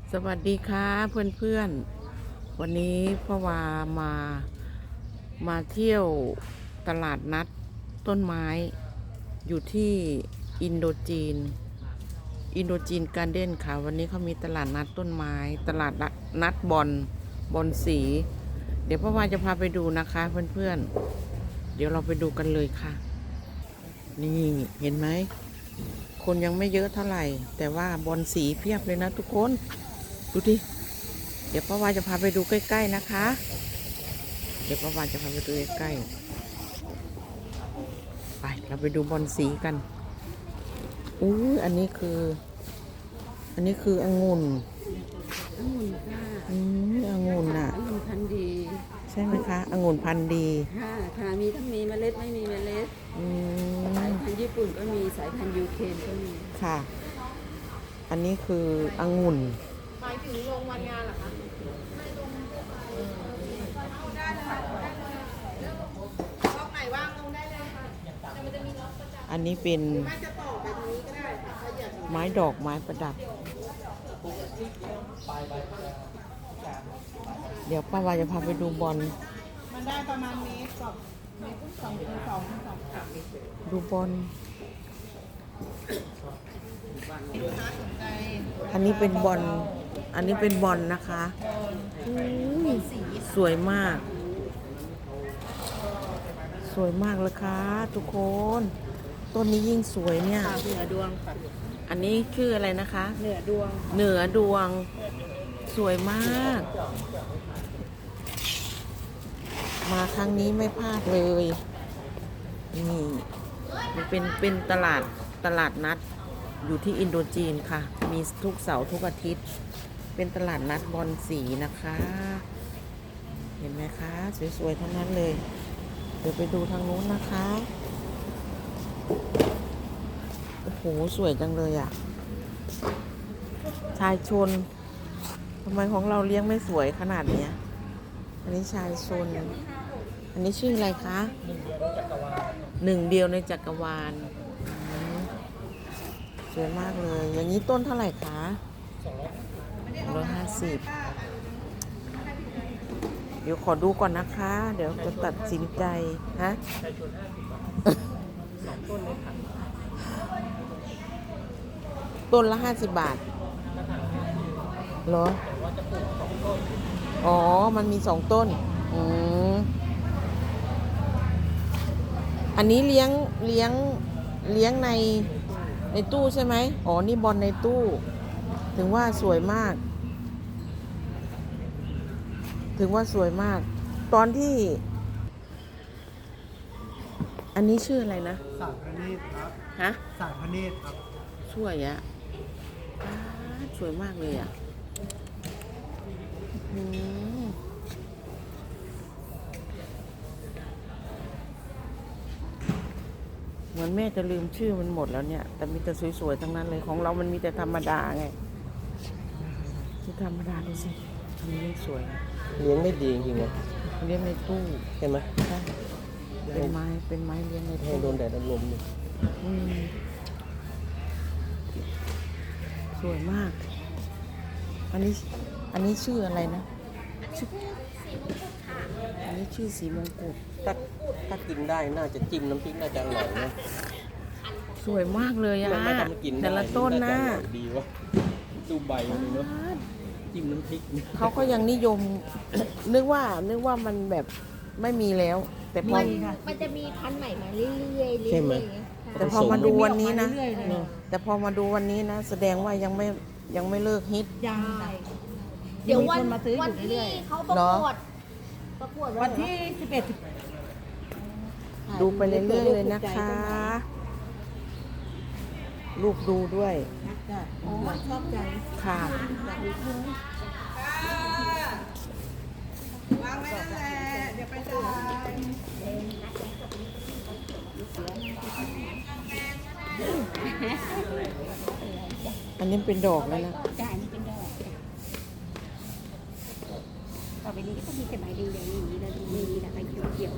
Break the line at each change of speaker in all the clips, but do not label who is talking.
สวัสดีค่ะเพื่อนๆวันนี้พ่อวามาเที่ยวตลาดนัดต้นไม้อยู่ที่อินโดจีนการ์เด้นค่ะวันนี้เขามีตลาดนัดต้นไม้ตลาดนัดบอลสีเดี๋ยวพ่อวาจะพาไปดูนะคะเพื่อนๆเดี๋ยวเราไปดูกันเลยค่ะนี่เห็นไหมคนยังไม่เยอะเท่าไหร่แต่ว่าบอลสีเพียบเลยนะทุกคนดูดิเดี๋ยวป้าวาจะพาไปดูใกล้ๆนะคะเดี๋ยวป้าวาจะพาไปดูใกล้ๆไปเราไปดูบอลสีกันอันนี้คือองุ่น
ค่ะ
องุ่นน่ะ
องุ่นพันธุ์ดี
ใช่ไหมคะองุ่นพันธุ์ดี
ค่ะมีทั้งมีเมล็ดไม่มีเมล็ดสายพันธุ์ญี่ปุ่นก็มีสายพันธุ์ยูเครนก็มี
ค่ะอันนี้คือองุ่น
หมายถึงลงวันงานเหรอคะ
อันนี้เป็นไม้ดอกไม้ประดับเดี๋ยวป้าวาจะพาไปดูบอล
มันได้ประมาณเมตรกับเมตรสอง
ดูบอลอันนี้เป็นบอลนะคะสวยมากเลยค่ะทุกคนต้นนี้ยิ่งสวยเนี่ย
เหนือดวงค่ะ
อันนี้ชื่ออะไรนะคะ
เหนือด
วงสวยมากมาครั้งนี้ไม่พลาดเลยนี่มันเป็นตลาดนัดอยู่ที่อินโดจีนค่ะมีทุกเสาร์ทุกอาทิตย์เป็นตลาดนัดบอลสีนะคะเห็นไหมคะสวยๆทั้งนั้นเลยเดี๋ยวไปดูทางนู้นนะคะโอ้โหสวยจังเลยอ่ะชายชนทำไมของเราเลี้ยงไม่สวยขนาดเนี้ยอันนี้ชายชนอันนี้ชื่ออะไรคะหนึ่งเดียวในจักรวาลสวยมากเลยอย่างนี้ต้นเท่าไหร่คะ150เดี๋ยวขอดูก่อนนะคะเดี๋ยวจะตัดสินใจฮะต้นละ50 บาทเหรออ๋อมันมี2 ต้นอันนี้เลี้ยงในตู้ใช่ไหมอ๋อนี่บอลในตู้ถึงว่าสวยมากตอนที่อันนี้ชื่ออะไรนะ
สารพเนตรครับ
ฮะ
สารพเนตรครับ
สวยอะสวยมากเลยอะเหมือนแม่จะลืมชื่อมันหมดแล้วเนี่ยแต่มีแต่สวยๆทั้งนั้นเลยของเรามันมีแต่ธรรมดาไงที่ธรรมดาดูสิอันนี้สวย
เลี้ยงได้ดีจริงๆนะ
เลี้ยงในตู้
เห็นไหม
ใช่เป็นไม้เลี้ยงใน
ให้
ตู้
โดนแดดลม
สวยมากอันนี้ชื่ออะไรนะอันนี้ชื่อสีมงกุฎ
ถ้ากินได้น่าจะจิ้มน้ำพริกน่าจะอร่อยนะ
สวยมากเลยอะแต่ละต้นนะ
ดีวะดูใบเลยเนาะจิ้มน้ำพริก
เขาก็ยังนิยม นึกว่ามันแบบไม่มีแล้ว แต่พอ
มันจะมีพันธุ์ใหม่มาเรื่อยๆ
ใช่ไหม
แต่พอมาดูวันนี้นะแสดงว่ายังไม่เลิกฮิต
ยังเดี๋ยววันที่เขาประกวดวันที่11
ดูไปเรื่อยๆเลยนะคะลูกดูด้วย
ชอบใจ
ค่ะ
วางไว้นั่นแหละเดี๋ยวไปจ่าย
อันนี้เป็นดอกแล้วนะ
จ้าอันนี้เป็นดอกต่อไปนี้ก็มีแต่ใบแดงๆอย่างนี้แล้วมีแต่ใบเขียว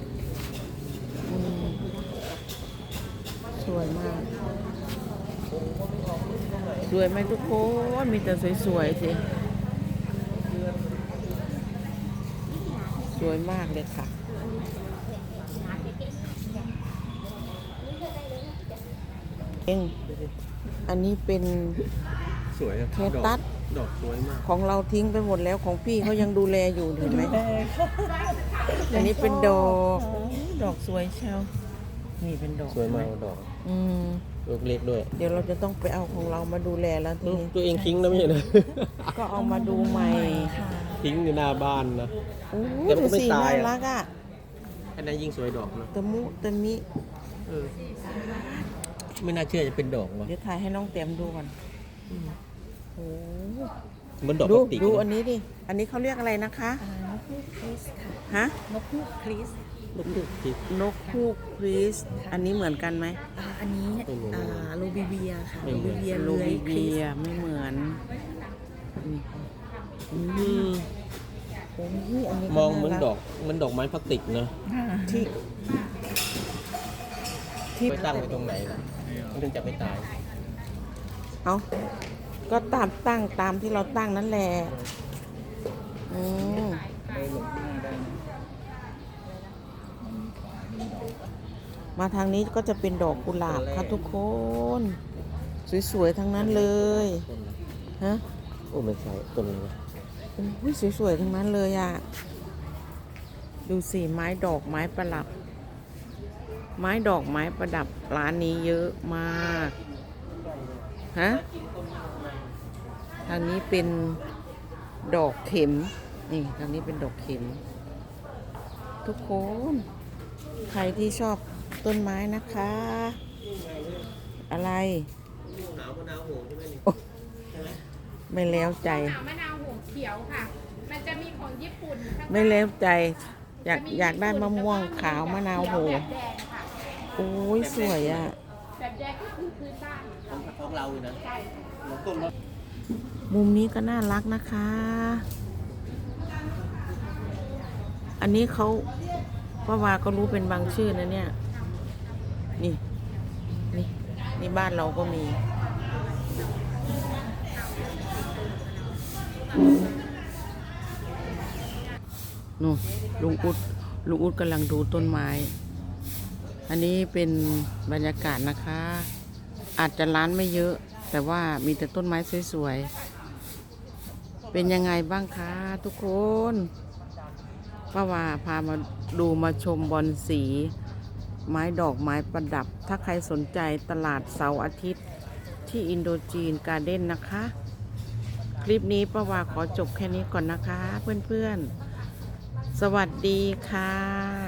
สวยมากสวยไหมทุกคนมีแต่สวยๆสิสวยมากเลยค่ะเองอันนี้เป็น
สวยอะ
เคตัส
ดอกสวยมาก
ของเราทิ้งไปหมดแล้วของพี่เขายังดูแลอยู่เห็นไหม อันนี้เป็นดอกสวยเชียวนี่เป็นดอก
สวยมากดอก
อืม
ลูกเล็กด้วย
เดี๋ยวเราจะต้องไปเอาของเรามาดูแลแล้วทีนี้
ตัวเองทิ้งนะไม่ใช่เหรอ
ก็เอามาดูใหม่
ทิ้งอยู่หน้าบ้านนะ
โอ้
แต่มันก็
ดู
ไม่
สิ
ตาย
น่า
อะ
รักอ่ะ
อันนั้นยิ่งสวยดอกนะ
ตะมุตะมิ
เออไม่น่าเชื่อจะเป็นดอกว่ะ
เดี๋ยวถ่ายให้น้องเต็มดูก่อนโอ้
เหมันดอก
ดู
พลาสติก
ดู
นะ
อันนี้ดิอันนี้เขาเรียกอะไรนะคะ
นกฮูกคริสค่ะ
ฮะ
นกฮูกคริส
ลูกเล็กที่
นกฮูกคริสอันนี้เหมือนกันไหม
อันนี้
ไม่เหมือน
โลบิเวียค่ะ
ไม่เหมือน
โลบิเบียไม่เหมือนนี่
อืม
โอ้ยอันนี้
มองเหมือน
ารั
ดอกเหมันดอกไม้พลาสติกนะ
ที่ที่
ไปตั้งไว้ตรงไหนล่ะมันถึงจะไม่ตาย
เอาก็ตั้งตามที่เราตั้งนั่นแหละอืมมาทางนี้ก็จะเป็นดอกกุหลาบค่ะทุกคน สวยๆทั้งนั้นเลยฮะ
โอ้ไม่ใช่ต้นนี้นะ
โอ้ยสวยๆทั้งนั้นเลยอ่ะดูสิไม้ดอกไม้ประดับ ไม้ดอกไม้ประดับร้านนี้เยอะมากฮะทางนี้เป็นดอกเข็มนี่ทางนี้เป็นดอกเข็ม ทุกคนใครที่ชอบต้นไม้นะคะ อะไร
หนาวมะนาวโหงใช่ไหมนี่
โอ้ไม่แล้วใจ
หนาวมะนาวหัวเขียวค่ะ มันจะมีของญี่ปุ่นข้าง
ไม่แล้วใจ อยากได้มะม่วงขาวมะนาวโห
แบบแดงค่ะ
โอ้ยสวยอ่ะ
แบบแดงก็คือพื้นบ้าน
ของเราเลยนะ
ใช่
เราต้มแล้ว
มุมนี้ก็น่ารักนะคะ อันนี้เขาป้าวาก็รู้เป็นบางชื่อนะเนี่ย นี่ นี่บ้านเราก็มีนู่นลุงอุดกำลังดูต้นไม้ อันนี้เป็นบรรยากาศนะคะ อาจจะร้านไม่เยอะ แต่ว่ามีแต่ต้นไม้สวยๆ เป็นยังไงบ้างคะทุกคนป้าวาพามาดูมาชมบอนสี ไม้ดอกไม้ประดับ ถ้าใครสนใจตลาดเสาร์อาทิตย์ที่อินโดจีนการ์เด้นนะคะ คลิปนี้ป้าวาขอจบแค่นี้ก่อนนะคะ เพื่อนๆ สวัสดีค่ะ